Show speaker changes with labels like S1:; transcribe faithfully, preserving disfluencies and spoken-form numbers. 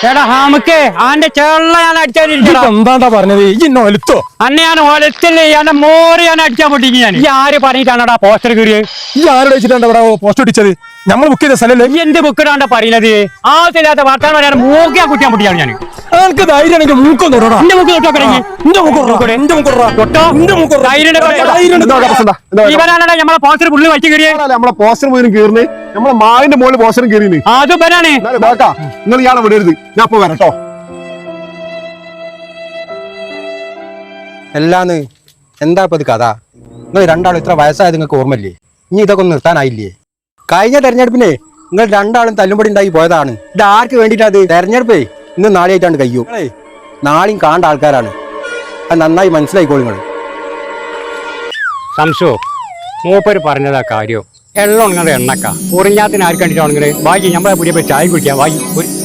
S1: എടാ ഹാമക്ക് ആന്റെ ചേള്ള ഞാൻ അടിച്ചാ
S2: എന്താണ്ടാ പറഞ്ഞത് ഈ ഒലുത്തോ
S1: അന്നെ ഞാൻ ഒലത്തില്ലേ എന്നെ മോറി ഞാൻ അടിച്ചാൻ പൊട്ടിക്ക് ഞാൻ ഈ ആര് പറഞ്ഞിട്ടാണടാ പോസ്റ്റർ കീറിയത്
S2: ഈ ആരോട് വെച്ചിട്ടാണ് ഇവിടെ പോസ്റ്റ് ഒട്ടിച്ചത് നമ്മൾ ബുക്ക് ചെയ്ത സ്ഥലല്ലേ
S1: ഈ എന്ത് ബുക്കിടാണ്ട പറയുന്നത് ആവശ്യമില്ലാത്ത വർത്താനം പറയാൻ മൂക്കിയാ കുട്ടിയാൻ പൊട്ടിയാണ് ഞാൻ
S2: എനിക്ക് ധൈര്യമാണെങ്കിൽ മൂക്കം തൊടടാ
S1: എന്റെ മുക്ക് തൊട്ടോ കിടങ്ങി
S2: എന്റെ മൂക്കൊറ എന്റെ മൂക്കൊറ
S1: തൊട്ടോ
S2: എന്റെ മൂക്കൊറ
S1: ഇവനാണ് നമ്മളെ പോസ്റ്റർ പുള്ളി വലിച്ചു കീറിയത്
S3: നമ്മളെ പോസ്റ്റർ മുഴുവൻ കീറിന് നമ്മളെ മാവിന്റെ മുകളിൽ പോസ്റ്ററും കീറിന്
S1: അത് ഇവനാണ്
S3: നിങ്ങൾ ഇയാളെ വിടരുത് ഞാൻ ഇപ്പൊ വരട്ടോ.
S4: എല്ലാന്ന് എന്താ ഇപ്പൊ ഇത് കഥ? നിങ്ങൾ രണ്ടാളും ഇത്ര വയസ്സായത് നിങ്ങൾക്ക് ഓർമ്മയില്ലേ? ഇനി ഇതൊക്കെ ഒന്ന് നിർത്താനായില്ലേ? കഴിഞ്ഞ തെരഞ്ഞെടുപ്പിനെ നിങ്ങൾ രണ്ടാളും തല്ലുപടി ഉണ്ടായി പോയതാണ്. ഇത് ആർക്ക് വേണ്ടിയിട്ടാ? അത് തെരഞ്ഞെടുപ്പേ ഇന്ന് നാളെയായിട്ടാണ് കഴിയൂ. നാളെയും കാണേണ്ട ആൾക്കാരാണ്. അത് നന്നായി മനസ്സിലായിക്കോളൂ നിങ്ങൾ.
S1: സംശോ മൂപ്പര് പറഞ്ഞതാ കാര്യം എള്ളം നിങ്ങളുടെ എണ്ണക്ക ഉറിഞ്ഞാത്തിന് ആർക്ക് കണ്ടിട്ടാണെങ്കിൽ ബാക്കി നമ്മളെ പുതിയ ചായ കുടിക്കാം വായി ഒരു